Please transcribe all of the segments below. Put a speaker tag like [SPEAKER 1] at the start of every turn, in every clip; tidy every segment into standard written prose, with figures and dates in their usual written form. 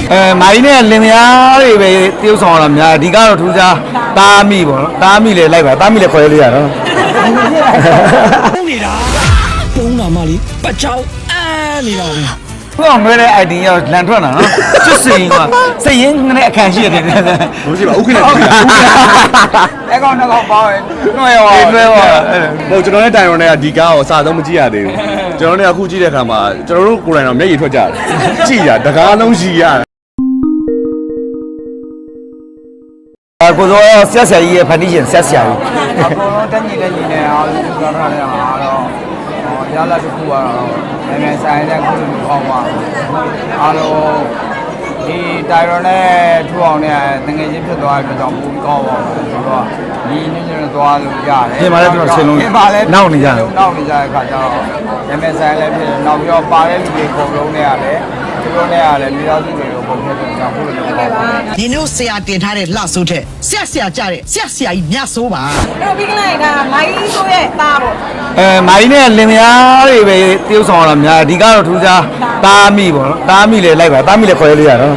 [SPEAKER 1] မိုင်းနဲ့လင်မယားတွေပဲတရုပ်ဆောင်ရတာများဒီကတော့ထူးခြားတားမိပေါ့နော်တားမိလေလိုက်ပါတားမိလေခေါ်ရလို့ရတော့
[SPEAKER 2] ပုံနေတာပုံနာမလေးပတ်ချောင်းနေတာပဲ
[SPEAKER 1] ဘုရားငွေတဲ့ ID ရောက်လန်ထွက်တာနော်ချစ်စင်ကစိတ်ရင်းနဲ့အခန့်ရှိရတယ်
[SPEAKER 3] ဘူးရှိပါဥက္ကဋ္ဌ
[SPEAKER 1] အဲ့ကောင်တော့ပေါင်းနှွဲရော
[SPEAKER 3] ဟိုကျွန်တော်နဲ့တိုင်ရွန်နဲ့ကဒီကားကိုအစားဆုံးမကြည့်ရသေးဘူးကျွန်တော်နဲ့အခုကြည့်တဲ့အခါမှာကျွန်တော်တို့ကိုယ်တိုင်တော့မျက်ရည်ထွက်ကြတယ်ကြည့်ရတကားလုံးရှိရတယ်
[SPEAKER 1] ကိုစောဆက်ဆရာကြီးရဲ့ဖန်တီးရှင်ဆက်ဆရာကြီး
[SPEAKER 4] အကုန်လုံးတက်ညီလက်ညီနဲ့အားလုံးပြောထားတဲ့ဟာတော့ရလာတစ်ခုကတော့နိုင်ငံဆိုင်တဲ့ခုလိုပေါ့ပါအားလုံးဒီတိုင်ရွန်နဲ့ထူအောင်နဲ့တငယ်ချင်းဖြစ်သွားတဲ့အတွက်ကြောင့်ပုံကောင်းပါဘူးဆိုတော့ဒီညညသွားလို့ရတယ်
[SPEAKER 1] ပြင်ပါလဲကျွန်တော်ဆင်းလုံးနောက်နေကြတယ်
[SPEAKER 4] နောက်နေကြတဲ့အခါကျတော့နိုင်ငံဆိုင်လည်းဖြစ်တယ်နောက်ပြီးတော့ပါတဲ့လူတွေပုံလုံးနဲ့ရတယ်သူတို့နဲ့ရတယ်မိသားစုတွေကိုပုံဖြစ်တဲ့ကြောင့်ခုလိုပေါ့ပါ
[SPEAKER 2] ဒီနေ့ဆရာတင်ထားတဲ့လှဆိုးတဲ့ဆရာကြတဲ့ဆရာကြီးမြတ်ဆိုးပါ
[SPEAKER 5] အဲ့တော့ပြီးကလိုက်ကမိုင်းဆိုးရဲ့သားပေါ့
[SPEAKER 1] မိုင်းနဲ့လင်မယားတွေပဲတရုပ်ဆောင်ရတာများဒီကတော့ထူးခြားတားမိပေါ့နော်တားမိလေလိုက်ပါတားမိလေခေါ်ရလို့ရတော့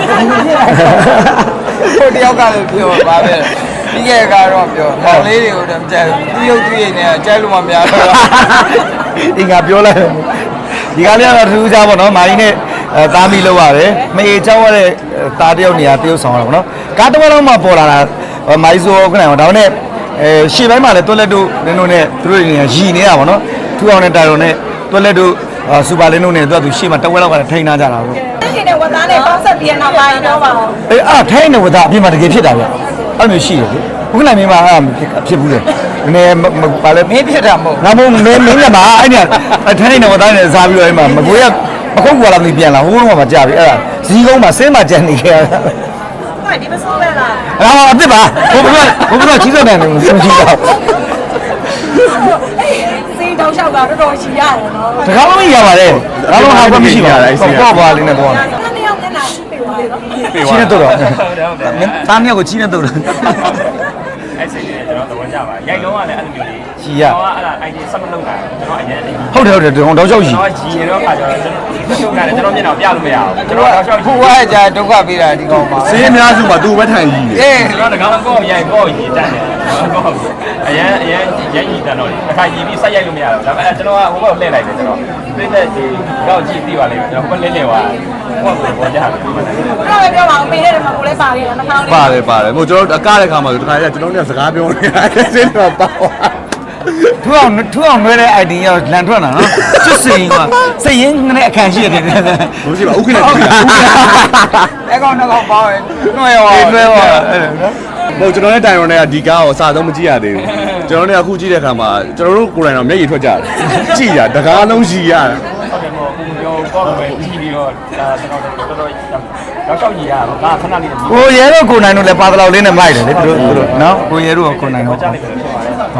[SPEAKER 4] ဟိုတယောက်ကလည်းပြောပါပဲပြီးခဲ့ကတော့ပြောမောင်လေးတွေကိုတော့ကြိုက်သူရုပ်သူရည်နဲ့ကြိုက်လို့မများတော့
[SPEAKER 1] အင်္ဂါပြောလိုက်ဒီကလေးကတော့ထူးခြားပေါ့နော်မိုင်းနဲ့တားမိလို့ရတယ်မအေချောက်ရတဲ့တားတယောက်နေရာတရုပ်ဆောင်ရတာပေါ့နော်ကားတစ်ဝက်လုံးမှပေါ်လာတာမိုင်းဆိုခဏဒါနဲ့ရှေ့ပိုင်းမှာလည်းတွက်လက်တို့လင်းတို့နဲ့သူတို့နေရာရည်နေတာပေါ့နော်ထူအောင်နဲ့တိုင်ရုံနဲ့တွက်လက်တို့စူပါလင်းတို့နဲ့သူရှေ့မှာတဝက်လောက်ကလည်းထိန်းထားကြတာပေါ့
[SPEAKER 5] ဒီနေ့ဝတ်သားနဲ့ပေါင်းဆက်ပြီးနောက်ပိုင်းတော့ပါဘူး
[SPEAKER 1] ထိုင်းနေဝတ်သားအပြင်မှာတကယ်ဖြစ်တာဗျအဲ့လိုရှိတယ်လေဘုခဏမင်းမဖြစ်ဘူးလေနည်းပါလေ
[SPEAKER 4] မင်းဖြစ်တာမဟုတ်
[SPEAKER 1] ငါမမင်းကပါအဲ့ဒီထိုင်းနေဝတ်သားနဲ့စားပြီးတော့အဲ့မှာမကွေးကမခုတ်ကွာလာမပြန်လာဟိုးတော့မှကြာပြီအဲ့ဒါဇီးကုန်းမှာဆင်းမှကြံနေခဲ့တာ
[SPEAKER 5] ဟုတ်ဒီမဆိုးပဲလား
[SPEAKER 1] အစ်စ်ပါဘုရားချီးစောတယ်လို့ဆုံးချီးတော့
[SPEAKER 5] စီတောင်းလျှောက်တာတော်တော်ရှိရတယ်နော်
[SPEAKER 1] တကားလုံးရပါတယ်တကားလုံးဟာကမရှိပါဘူးပေါ့ပါလေးနဲ့ပေါ့
[SPEAKER 5] တန်းရောက်မျက်နှာရှိပြီပါလေ
[SPEAKER 1] ချီးနေတော့တားမြောက်ကိုချီးနေတော့
[SPEAKER 6] အဲ့စိတ်နဲ့ကျွန်တော်သဘောကျပါရိုက်လုံးကလည်းအဲ့လိုမျိုးလေး
[SPEAKER 1] ချီရ
[SPEAKER 6] တော့အဲ့ဒါ idea ဆက်မလုပ်တာကျွန်တော်အရင်
[SPEAKER 1] ဟုတ်တယ်တောက်လျှောက်ကြီး
[SPEAKER 6] ကျွန်တော်ကြီးရင်တော့ခါကျတော့ကျွန်တော်မျက်နှာပြလို့မရဘူးကျွန်တော်တောက်လျှောက်
[SPEAKER 4] ဖူဝါးကြဒုက္ခပေးတာဒီကောင်ပါ
[SPEAKER 3] စေးအများစုမှာသူ့ဘက်ထိုင်ကြီး
[SPEAKER 4] တယ်
[SPEAKER 6] ကျွန်တော်တကောင်ကောရိုက်ကောရီတတ်တယ်ကောအရင်ရိုက်ရီတတ်တော့တစ်ခါရီပြီးဆက်ရိုက်လို့မရဘူးဒါပေမဲ့ကျွန်တော်ကဟိုဘက်လှည့်လိုက်တယ်ကျွန်တော်ပြည့်တဲ့ဒီကောက်ကြည့်သိပါလိမ့်မယ်ကျွန်တော်ဟိုဘက်လှည့်သွားဟိုဘက်ပေါ်ကြတာ
[SPEAKER 5] တော့ပြောပါဦးပေးတဲ့မှာကိုလည်းပါခဲ့တယ်နှာခေါင်းလေး
[SPEAKER 3] ပါတယ်ဟိုကျွန်တော်အကားတဲ့ခါမှာတခါကျကျွန်တော်နဲ့စကားပြောနေတယ်စေးတော့ပါ
[SPEAKER 1] ထူအောင်ငွေတဲ့ ID ရောက်လန်ထွက်တာနော်ချစ်စင်ကစိတ်ရင်းနဲ့အခန့်ရှိရတယ်
[SPEAKER 3] ဘူးရှိပါဥက္ကဋ္ဌ
[SPEAKER 4] အဲ့ကောင်တော့ပေါင်းနှွဲရော
[SPEAKER 1] ဟို
[SPEAKER 3] ကျွန်တော်နဲ့တိုင်ရွန်နဲ့ကဒီကားကိုအစားဆုံးမကြည့်ရသေးဘူးကျွန်တော်နဲ့အခုကြည့်တဲ့အခါမှာကျွန်တော်တို့ကိုယ်တိုင်တော့မျက်ရည်ထွက်ကြတယ်ကြည့်ရတကားလုံးရှိရတယ်
[SPEAKER 6] ဟုတ်တယ်မို့ကိုပြောကောပဲကြည့်ပြီးတော့ကျွန်တော်တော်တော်ရောက်ကြီးရတော့ဒါခဏလေး
[SPEAKER 1] ကိုရဲတို့ကိုနိုင်တို့လည်းပါတလောက်လေးနဲ့မိုက်တယ်လေသူတို့နော်ကိုရဲတို့ကကိုနိုင်တော့